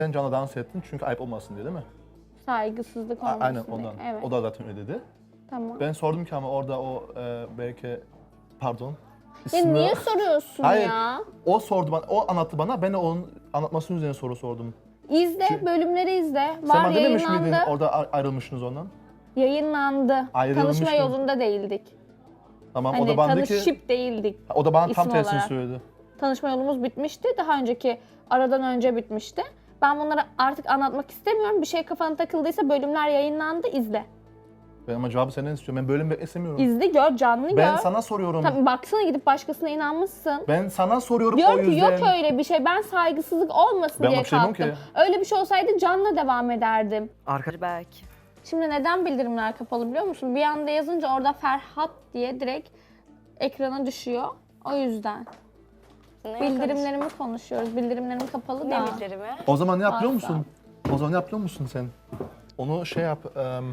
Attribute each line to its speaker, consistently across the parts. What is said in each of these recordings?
Speaker 1: Sen Can'la dans ettin çünkü ayıp olmasın diye değil mi?
Speaker 2: Saygısızlık olmasın
Speaker 1: Aynen
Speaker 2: diye.
Speaker 1: ondan.
Speaker 2: Evet.
Speaker 1: O da zaten öyle dedi.
Speaker 2: Tamam.
Speaker 1: Ben sordum ki ama orada o belki pardon.
Speaker 2: Ya
Speaker 1: ismi-
Speaker 2: niye soruyorsun
Speaker 1: Hayır.
Speaker 2: ya?
Speaker 1: O sordu bana, o anlattı bana. Ben de onun anlatmasının üzerine soru sordum.
Speaker 2: İzle, bölümleri izle.
Speaker 1: Sen
Speaker 2: Var
Speaker 1: bana dememiş
Speaker 2: yayınlandı.
Speaker 1: miydin orada ayrılmışsınız ondan?
Speaker 2: Yayınlandı.
Speaker 1: Ayrılmış
Speaker 2: Tanışma
Speaker 1: mı?
Speaker 2: yolunda değildik.
Speaker 1: Tamam o
Speaker 2: Hani
Speaker 1: da bana dedi ki,
Speaker 2: tanışıp değildik.
Speaker 1: o da bana tam
Speaker 2: isim
Speaker 1: tersini
Speaker 2: olarak.
Speaker 1: söyledi.
Speaker 2: Tanışma yolumuz bitmişti. Daha önceki aradan önce bitmişti. Ben bunları artık anlatmak istemiyorum. Bir şey kafana takıldıysa bölümler yayınlandı. İzle.
Speaker 1: Ben ama cevabı senden istiyorum. Ben bölüm istemiyorum.
Speaker 2: İzle, gör, canlı gör.
Speaker 1: Ben sana soruyorum.
Speaker 2: Tabii baksana, gidip başkasına inanmışsın.
Speaker 1: Ben sana soruyorum
Speaker 2: Diyor
Speaker 1: o
Speaker 2: ki
Speaker 1: yüzden.
Speaker 2: yok öyle bir şey. Ben saygısızlık olmasın
Speaker 1: Ben
Speaker 2: diye
Speaker 1: ona bir şey
Speaker 2: kalktım.
Speaker 1: demiyorum
Speaker 2: Öyle bir şey olsaydı Can'la devam ederdim.
Speaker 3: Belki.
Speaker 2: Şimdi neden bildirimler kapalı biliyor musun? Bir anda yazınca orada Ferhat diye direkt ekrana düşüyor. O yüzden. Bildirimlerimi konuşuyoruz. Bildirimlerim kapalı
Speaker 3: Ne
Speaker 2: da.
Speaker 3: bildirimi?
Speaker 1: O zaman ne yapıyor
Speaker 2: Asla.
Speaker 1: musun? O zaman ne yapıyor musun sen? Onu şey yap.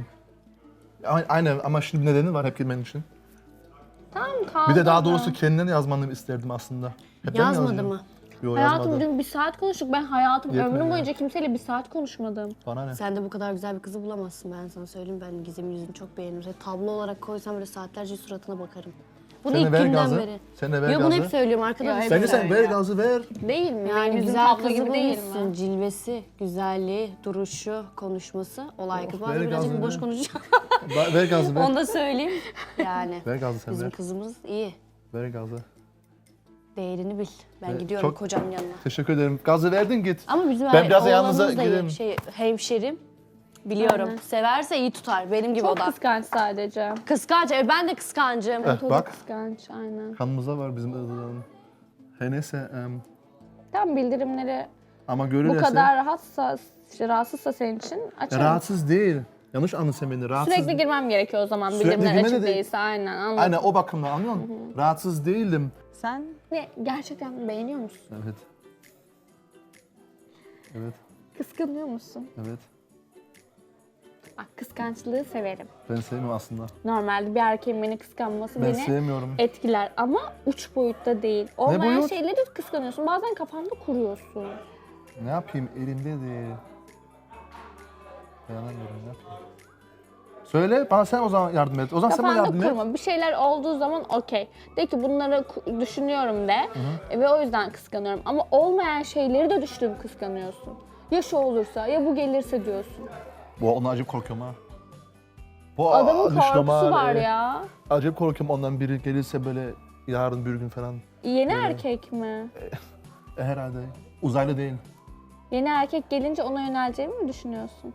Speaker 1: Aynen ama şimdi nedeni var hep girmen için.
Speaker 2: Tamam, kaldı.
Speaker 1: Bir de daha doğrusu kendine yazmanı isterdim aslında. Hep ben
Speaker 3: Yazmadı
Speaker 1: yazıyorum.
Speaker 3: mı?
Speaker 1: Yok
Speaker 2: Hayatım
Speaker 1: yazmadı.
Speaker 2: dün 1 saat konuştuk. Ben hayatım
Speaker 1: Yetmedi
Speaker 2: ömrüm
Speaker 1: ya.
Speaker 2: boyunca kimseyle 1 saat konuşmadım.
Speaker 1: Bana ne?
Speaker 3: Sen de bu kadar güzel bir kızı bulamazsın, ben sana söyleyeyim. Ben Gizem'in yüzünü çok beğenirim. Seni tablo olarak koysam böyle saatlerce suratına bakarım. Bunu
Speaker 1: Sen de
Speaker 3: ilk
Speaker 1: ver
Speaker 3: günden
Speaker 1: gazı.
Speaker 3: beri.
Speaker 1: Sen de ver
Speaker 3: Yo, bunu hep
Speaker 1: gazı.
Speaker 3: söylüyorum arkadaşlar.
Speaker 2: Ya,
Speaker 1: Bence
Speaker 2: hep
Speaker 1: sen ver
Speaker 2: söyle.
Speaker 1: gazı ver.
Speaker 2: Değil mi?
Speaker 3: Yani
Speaker 2: Benim yüzüm
Speaker 3: güzel
Speaker 2: tablo
Speaker 3: kızı
Speaker 2: gibi değil
Speaker 3: bulmuşsun.
Speaker 2: mi?
Speaker 3: Cilvesi, güzelliği, duruşu, konuşması olay kız.
Speaker 1: ver
Speaker 3: Bazen birazcık
Speaker 1: gazını.
Speaker 3: boş konuşacağım.
Speaker 1: Ver gazı ver.
Speaker 3: Onu da söyleyeyim. Yani
Speaker 1: Ver gazı sen
Speaker 3: bizim
Speaker 1: ver.
Speaker 3: kızımız iyi.
Speaker 1: Ver gazı.
Speaker 3: Değerini bil. Ben
Speaker 1: Evet,
Speaker 3: gidiyorum
Speaker 1: çok-
Speaker 3: kocamın yanına.
Speaker 1: Teşekkür ederim. Gazı verdin git.
Speaker 3: Ama bizim
Speaker 1: Ben biraz da
Speaker 3: oğlanımız
Speaker 1: yanınıza
Speaker 3: da iyi.
Speaker 1: giderim.
Speaker 3: Hemşerim. Biliyorum.
Speaker 2: Aynen.
Speaker 3: Severse iyi tutar. Benim gibi
Speaker 2: Çok
Speaker 3: o da.
Speaker 2: kıskanç sadece.
Speaker 3: Kıskanç. Ben de kıskancım.
Speaker 1: Eh,
Speaker 2: O da
Speaker 1: bak
Speaker 2: kıskanç, aynen.
Speaker 1: kanımızda var bizim ızıların. Her neyse
Speaker 2: Tam bildirimleri
Speaker 1: ama
Speaker 2: bu
Speaker 1: görülürse
Speaker 2: kadar rahatsızsa senin için açarım.
Speaker 1: rahatsız değil. Yanlış anladın sen beni. Rahatsız
Speaker 2: Sürekli girmem gerekiyor o zaman
Speaker 1: Sürekli
Speaker 2: bildirimler
Speaker 1: girmene
Speaker 2: açık
Speaker 1: de-
Speaker 2: değilse, aynen anladım.
Speaker 1: Aynen o bakımdan anlıyor musun? Rahatsız değildim.
Speaker 3: Sen?
Speaker 2: Ne, gerçekten beğeniyor musun?
Speaker 1: Evet. Evet,
Speaker 2: Kıskanıyor musun?
Speaker 1: evet.
Speaker 2: Bak, kıskançlığı severim.
Speaker 1: Ben sevmiyorum aslında.
Speaker 2: Normalde bir erkeğin beni kıskanması
Speaker 1: Ben
Speaker 2: beni
Speaker 1: sevmiyorum.
Speaker 2: etkiler ama uç boyutta değil. Olmayan
Speaker 1: boyut?
Speaker 2: şeyleri kıskanıyorsun. Bazen kafanda kuruyorsun.
Speaker 1: Ne yapayım elimde değil. Dayanamıyorum ne yapayım. Söyle bana sen o zaman yardım et. O zaman sen bana
Speaker 2: Kafanda
Speaker 1: yardım et.
Speaker 2: kurma. Bir şeyler olduğu zaman okey. De ki bunları düşünüyorum de. Ve o yüzden kıskanıyorum. Ama olmayan şeyleri de düşünüp kıskanıyorsun. Ya şu olursa, ya bu gelirse diyorsun.
Speaker 1: Bu ondan acayip korkuyorum ha. Bu
Speaker 2: Adamın
Speaker 1: düştüm
Speaker 2: korkusu
Speaker 1: ha,
Speaker 2: var ya.
Speaker 1: Acayip korkuyorum ondan biri gelirse böyle yarın bir gün falan.
Speaker 2: Yeni
Speaker 1: Böyle.
Speaker 2: erkek mi?
Speaker 1: Herhalde. Uzaylı değil.
Speaker 2: Yeni erkek gelince ona yöneleceğimi mi düşünüyorsun?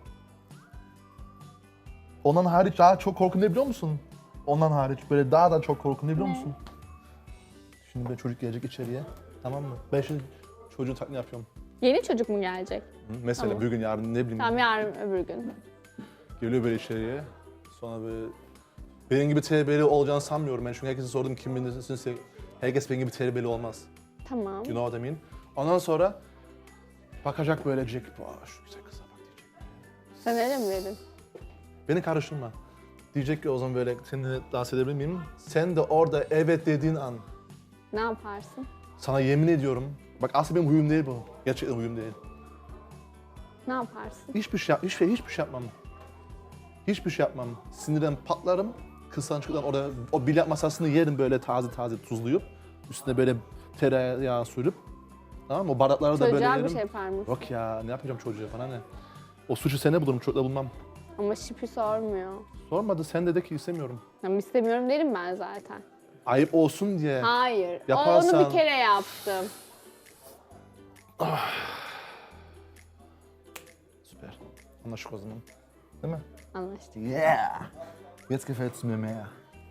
Speaker 1: Ondan hariç daha çok korkum ne biliyor musun? Ondan hariç böyle daha da çok korkum ne biliyor
Speaker 2: Ne?
Speaker 1: musun? Şimdi bir çocuk gelecek içeriye. Tamam mı? Ben şimdi çocuğun taklidini yapıyorum.
Speaker 2: Yeni çocuk mu gelecek?
Speaker 1: Hı? Mesela
Speaker 2: Tamam.
Speaker 1: bir gün yarın ne bileyim
Speaker 2: Tamam, yarın öbür gün.
Speaker 1: geliyor böyle içeriye. Sonra böyle benim gibi terbiyeli olacağını sanmıyorum ben çünkü herkese sordum kim bilirsinse herkes benim gibi terbiyeli olmaz.
Speaker 2: Tamam.
Speaker 1: You know what I mean? Ondan sonra bakacak böyle diyecek, "Vaa, şu güzel kıza bak" diyecek.
Speaker 2: Sen öyle mi dedin?
Speaker 1: Beni karıştırma. Diyecek ki o zaman böyle seninle dans edebilir miyim? Sen de orada evet dediğin an
Speaker 2: Ne yaparsın?
Speaker 1: sana yemin ediyorum. Bak aslında benim huyum değil bu. Gerçekten huyum değil.
Speaker 2: Ne yaparsın?
Speaker 1: Hiçbir şey yapmam. Hiçbir şey yapmam. Sinirden patlarım. Kıskançlıktan orada o bilyat masasını yerim böyle taze taze tuzlayıp. Üstüne böyle tereyağı sürüp. Tamam mı? O bardakları da böyle
Speaker 2: Çocuğa
Speaker 1: yerim.
Speaker 2: bir şey yapar mısın?
Speaker 1: Yok ya ne yapacağım çocuğa bana ne? O suçu sene bulurum çocukla bulmam.
Speaker 2: Ama şipi sormuyor.
Speaker 1: Sormadı sen de ki istemiyorum.
Speaker 2: Tamam, istemiyorum derim ben zaten.
Speaker 1: Ayıp olsun diye.
Speaker 2: Hayır.
Speaker 1: Yaparsan-
Speaker 2: Onu bir kere yaptım.
Speaker 1: Süper. Anlaştık o zaman. Değil mi?
Speaker 2: Anlaştık.
Speaker 1: Yeah! Jetzt gefällt's mir mehr.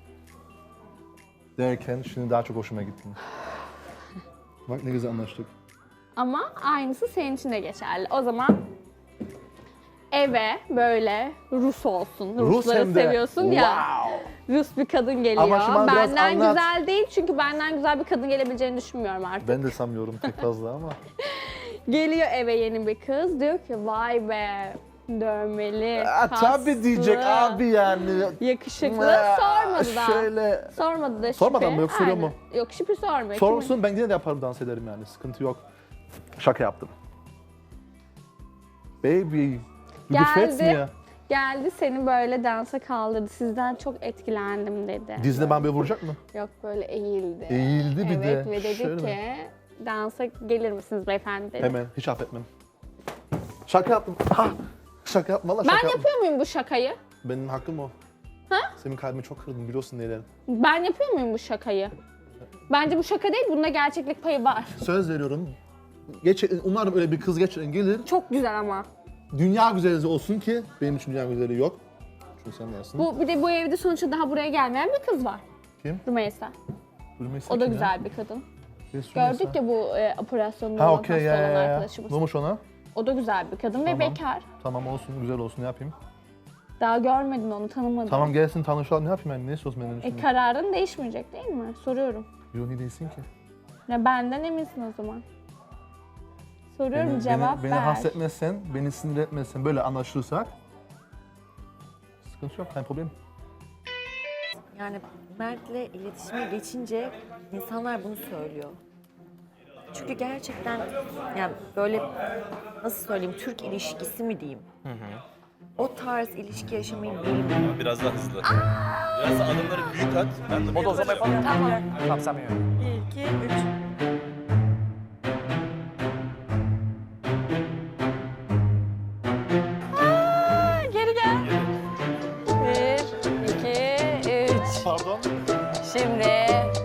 Speaker 1: Derken şimdi daha çok hoşuma gitti. Bak ne güzel anlaştık.
Speaker 2: Ama aynısı senin için de geçerli. O zaman eve böyle Rus olsun. Rusları
Speaker 1: hem de.
Speaker 2: seviyorsun ya.
Speaker 1: Wow!
Speaker 2: Rus bir kadın geliyor.
Speaker 1: Ama şimdi bana biraz
Speaker 2: Benden
Speaker 1: anlat.
Speaker 2: güzel değil çünkü benden güzel bir kadın gelebileceğini düşünmüyorum artık.
Speaker 1: Ben de sanmıyorum pek fazla ama.
Speaker 2: Geliyor eve yeni bir kız. Diyor ki vay be, dövmeli,
Speaker 1: Tabii diyecek
Speaker 2: kaslı,
Speaker 1: abi yani.
Speaker 2: yakışıklı. Sormadı da.
Speaker 1: Şöyle.
Speaker 2: Sormadı da şipi.
Speaker 1: Sormadan mı, yok, soruyor mu?
Speaker 2: Aynen. Yok, şipi sormuyor.
Speaker 1: Sorsun ben yine de yaparım dans ederim yani sıkıntı yok. Şaka yaptım. Baby, du gefällst
Speaker 2: Geldi.
Speaker 1: mir.
Speaker 2: Geldi seni böyle dansa kaldırdı. Sizden çok etkilendim dedi.
Speaker 1: Dizine ben böyle vuracak mı?
Speaker 2: Yok böyle eğildi.
Speaker 1: Eğildi bir de.
Speaker 2: Evet ve dedi
Speaker 1: Şöyle
Speaker 2: ki
Speaker 1: mi?
Speaker 2: dansa gelir misiniz beyefendi dedi.
Speaker 1: Hemen, hiç affetmem. Şaka yaptım. Ha! Şaka yapma valla
Speaker 2: Ben
Speaker 1: şaka yaptım.
Speaker 2: yapıyor muyum bu şakayı?
Speaker 1: Benim hakkım o.
Speaker 2: Ha?
Speaker 1: Senin kalbimi çok kırdın biliyorsun neylerim.
Speaker 2: Ben yapıyor muyum bu şakayı? Bence bu şaka değil, bunda gerçeklik payı var.
Speaker 1: Söz veriyorum. Umarım öyle bir kız geçiren gelir.
Speaker 2: Çok güzel ama.
Speaker 1: Dünya güzeli olsun ki benim için dünya güzeli yok. Çünkü sen varsın.
Speaker 2: Bir de bu evde sonuçta daha buraya gelmeyen bir kız var.
Speaker 1: Kim?
Speaker 2: Rümeysa.
Speaker 1: Rümeysa
Speaker 2: O da
Speaker 1: kim ya?
Speaker 2: güzel bir kadın.
Speaker 1: Yes, Rümeysa.
Speaker 2: Gördük ya bu operasyonda
Speaker 1: Ha
Speaker 2: olan
Speaker 1: okey
Speaker 2: hasta
Speaker 1: ya
Speaker 2: olan
Speaker 1: ya ya.
Speaker 2: arkadaşımız.
Speaker 1: Ne olmuş ona?
Speaker 2: O da güzel bir kadın ve
Speaker 1: Tamam.
Speaker 2: bekar.
Speaker 1: Tamam olsun güzel olsun ne yapayım?
Speaker 2: Daha görmedin onu, tanımadın.
Speaker 1: Tamam gelsin tanışalım ne yapayım ben ne istiyorsun benden şimdi?
Speaker 2: Kararın değişmeyecek değil mi? Soruyorum.
Speaker 1: Yo niye değilsin ki?
Speaker 2: Ya benden eminsin o zaman. Soruyorum, cevap
Speaker 1: beni
Speaker 2: ver.
Speaker 1: hasretmezsen, beni sinir etmezsen böyle anlaşılırsak sıkıntı yok, kein problem.
Speaker 4: Yani Mert'le iletişime geçince insanlar bunu söylüyor. Çünkü gerçekten yani böyle nasıl söyleyeyim Türk ilişkisi mi diyeyim? O tarz ilişki yaşamayı bilmiyorum.
Speaker 5: Biraz daha hızlı. Biraz da adımları büyük at. Ben de
Speaker 6: O da o zaman yapalım.
Speaker 4: Tamam.
Speaker 6: Tamam sen benim.
Speaker 4: 1, 2, 3. Geri gel. 1, 2, 3.
Speaker 1: Pardon?
Speaker 4: Şimdi.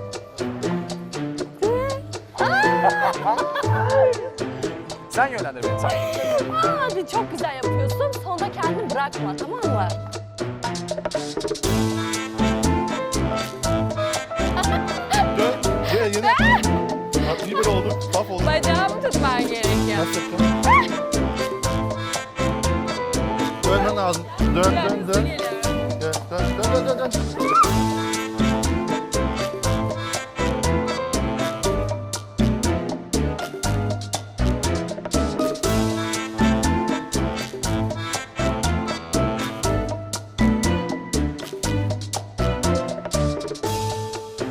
Speaker 6: Sen yönlendir beni. Sen.
Speaker 4: Hadi çok güzel yapıyorsun. Sonunda kendini bırakma, tamam mı?
Speaker 1: Gel yine. Bak iyi böyle oldu, bak oldu.
Speaker 4: Bacağımı tutman gerekiyor.
Speaker 1: Nasıl yapacağım? Dönmen lazım. Dön.